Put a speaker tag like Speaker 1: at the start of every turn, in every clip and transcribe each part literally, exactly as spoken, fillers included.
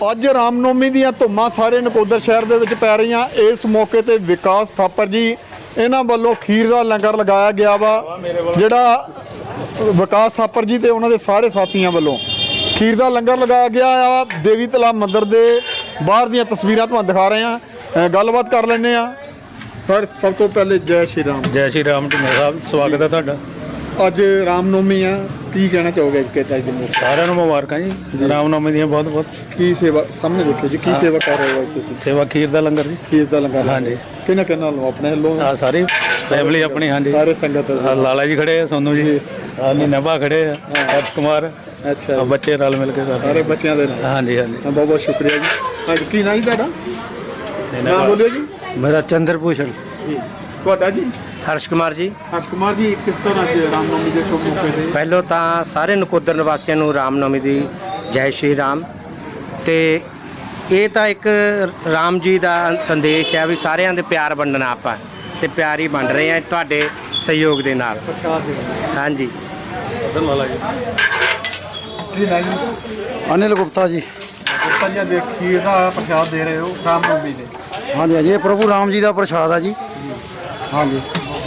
Speaker 1: ਅੱਜ ਰਾਮਨੌਮੀ ਦੀਆਂ ਧੁੰਮਾਂ ਸਾਰੇ ਨਕੋਦਰ ਸ਼ਹਿਰ ਦੇ ਵਿੱਚ ਪੈ ਰਹੀਆਂ। ਇਸ ਮੌਕੇ ਤੇ ਵਿਕਾਸ ਥਾਪਰ ਜੀ ਇਹਨਾਂ ਵੱਲੋਂ ਖੀਰ ਦਾ ਲੰਗਰ ਲਗਾਇਆ ਗਿਆ ਵਾ, ਜਿਹੜਾ ਵਿਕਾਸ ਥਾਪਰ ਜੀ ਤੇ ਉਹਨਾਂ ਦੇ ਸਾਰੇ ਸਾਥੀਆਂ ਵੱਲੋਂ ਖੀਰ ਦਾ ਲੰਗਰ ਲਗਾਇਆ ਗਿਆ ਆ। ਦੇਵੀ ਤਲਾਬ ਮੰਦਿਰ ਦੇ ਬਾਹਰ ਦੀਆਂ ਤਸਵੀਰਾਂ ਤੁਹਾਨੂੰ ਦਿਖਾ ਰਹੇ ਹਾਂ, ਗੱਲਬਾਤ ਕਰ ਲੈਂਦੇ ਆ। ਸਰ ਸਭ ਤੋਂ ਪਹਿਲੇ ਜੈ ਸ਼੍ਰੀ ਰਾਮ।
Speaker 2: ਜੈ ਸ਼੍ਰੀ ਰਾਮ ਢਿੰਗਰਾ ਸਾਹਿਬ, ਸਵਾਗਤ ਹੈ ਤੁਹਾਡਾ।
Speaker 1: ਅੱਜ ਰਾਮਨੌਮੀ ਆ, ਕੀ ਕਹਿਣਾ ਚਾਹੋਗੇ ਕਿ ਅੱਜ ਦੇ ਮੌਕੇ?
Speaker 2: ਸਾਰਿਆਂ ਨੂੰ ਮੁਬਾਰਕਾਂ ਜੀ, ਰਾਮਨੌਮੀ ਦੀਆਂ ਬਹੁਤ ਬਹੁਤ।
Speaker 1: ਕੀ ਸੇਵਾ ਸਾਹਮਣੇ ਦੇਖੋ ਜੀ, ਕੀ ਸੇਵਾ ਕਰ ਰਹੇ ਹੋ ਤੁਸੀਂ?
Speaker 2: ਸੇਵਾ ਖੀਰ ਦਾ ਲੰਗਰ ਜੀ।
Speaker 1: ਖੀਰ ਦਾ ਲੰਗਰ,
Speaker 2: ਹਾਂਜੀ।
Speaker 1: ਕਿਹਨਾਂ ਕਿਹਨਾਂ ਵੱਲੋਂ? ਆਪਣੇ ਵੱਲੋਂ
Speaker 2: ਆ ਸਾਰੀ ਫੈਮਿਲੀ ਆਪਣੀ, ਹਾਂਜੀ।
Speaker 1: ਸਾਰੇ ਸੰਗਤ,
Speaker 2: ਆਹ ਲਾਲਾ ਜੀ ਖੜੇ ਆ, ਸੋਨੂ ਜੀ, ਆ ਨੀਨਾਭਾ ਖੜੇ ਆ, ਅਰਸ਼ ਕੁਮਾਰ,
Speaker 1: ਅੱਛਾ,
Speaker 2: ਬੱਚੇ ਰਲ ਮਿਲ ਕੇ
Speaker 1: ਸਾਰੇ ਬੱਚਿਆਂ ਦੇ ਨਾਲ।
Speaker 2: ਹਾਂਜੀ ਹਾਂਜੀ।
Speaker 1: ਬਹੁਤ ਬਹੁਤ ਸ਼ੁਕਰੀਆ ਜੀ। ਹਾਂਜੀ, ਕੀ ਨਾਂ ਜੀ ਤੁਹਾਡਾ? ਨਾਮ ਬੋਲਿਓ ਜੀ।
Speaker 2: ਮੇਰਾ ਚੰਦਰ ਭੂਸ਼ਣ।
Speaker 1: ਜੀ ਤੁਹਾਡਾ ਜੀ?
Speaker 3: ਹਰਸ਼ ਕੁਮਾਰ ਜੀ।
Speaker 1: ਹਰਸ਼ ਕੁਮਾਰ ਜੀ, ਕਿਸ ਤਰ੍ਹਾਂ ਅੱਜ ਰਾਮਨੌਮੀ ਦੇ ਸ਼ੁਭ ਮੌਕੇ ਤੇ?
Speaker 3: ਪਹਿਲੋਂ ਤਾਂ ਸਾਰੇ ਨਕੋਦਰ ਨਿਵਾਸੀਆਂ ਨੂੰ ਰਾਮਨੌਮੀ ਦੀ ਜੈ ਸ਼੍ਰੀ ਰਾਮ। ਤੇ ਇਹ ਤਾਂ ਇੱਕ ਰਾਮ ਜੀ ਦਾ ਸੰਦੇਸ਼ ਹੈ ਵੀ ਸਾਰਿਆਂ ਦੇ ਪਿਆਰ ਵੰਡਣਾ, ਆਪਾਂ ਤੇ ਪਿਆਰ ਹੀ ਵੰਡ ਰਹੇ ਹਾਂ ਤੁਹਾਡੇ ਸਹਿਯੋਗ ਦੇ ਨਾਲ।
Speaker 1: ਪ੍ਰਸ਼ਾਦ ਦੇ
Speaker 3: ਹਾਂਜੀ।
Speaker 2: ਲਾਲਾ ਜੀ।
Speaker 1: ਕੀ ਨਾਂ ਜੀ?
Speaker 4: ਅਨਿਲ ਗੁਪਤਾ ਜੀ।
Speaker 1: ਗੁਪਤਾ ਜੀ, ਅੱਜ ਖੀਰ ਦਾ ਪ੍ਰਸ਼ਾਦ ਦੇ ਰਹੇ ਹੋ ਰਾਮਨੌਮੀ ਦੇ।
Speaker 4: ਹਾਂਜੀ ਹਾਂਜੀ, ਇਹ ਪ੍ਰਭੂ ਰਾਮ ਜੀ ਦਾ ਪ੍ਰਸ਼ਾਦ ਆ ਜੀ। ਹਾਂਜੀ,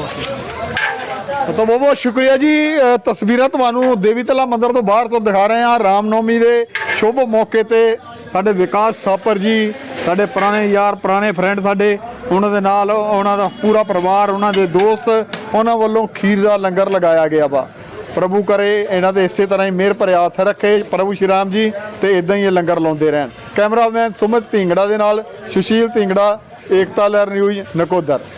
Speaker 1: ਤਾਂ ਬਹੁਤ ਬਹੁਤ ਸ਼ੁਕਰੀਆ ਜੀ। ਅ, ਤਸਵੀਰਾਂ ਤੁਹਾਨੂੰ ਦੇਵੀ ਤਲਾ ਮੰਦਿਰ ਤੋਂ ਬਾਹਰ ਤੋਂ ਦਿਖਾ ਰਹੇ ਹਾਂ। ਰਾਮਨੌਮੀ ਦੇ ਸ਼ੁਭ ਮੌਕੇ ਤੇ ਸਾਡੇ ਵਿਕਾਸ ਥਾਪਰ ਜੀ, ਸਾਡੇ ਪੁਰਾਣੇ ਯਾਰ, ਪੁਰਾਣੇ ਫਰੈਂਡ ਸਾਡੇ, ਉਹਨਾਂ ਦੇ ਨਾਲ ਉਹਨਾਂ ਦਾ ਪੂਰਾ ਪਰਿਵਾਰ, ਉਹਨਾਂ ਦੇ ਦੋਸਤ, ਉਹਨਾਂ ਵੱਲੋਂ ਖੀਰ ਦਾ ਲੰਗਰ ਲਗਾਇਆ ਗਿਆ ਵਾ। ਪ੍ਰਭੂ ਕਰੇ ਇਹਨਾਂ ਦੇ ਇਸੇ ਤਰ੍ਹਾਂ ਹੀ ਮਿਹਰ ਭਰੇ ਹੱਥ ਰੱਖੇ ਪ੍ਰਭੂ ਸ਼੍ਰੀ ਰਾਮ ਜੀ, ਤੇ ਇਦਾਂ ਹੀ ਇਹ ਲੰਗਰ ਲਾਉਂਦੇ ਰਹਿਣ। ਕੈਮਰਾਮੈਨ ਸੁਮਿਤ ਢਿੰਗੜਾ ਦੇ ਨਾਲ ਸੁਸ਼ੀਲ ਢਿੰਗੜਾ, ਏਕਤਾ ਲਹਿਰ ਨਿਊਜ਼, ਨਕੋਦਰ।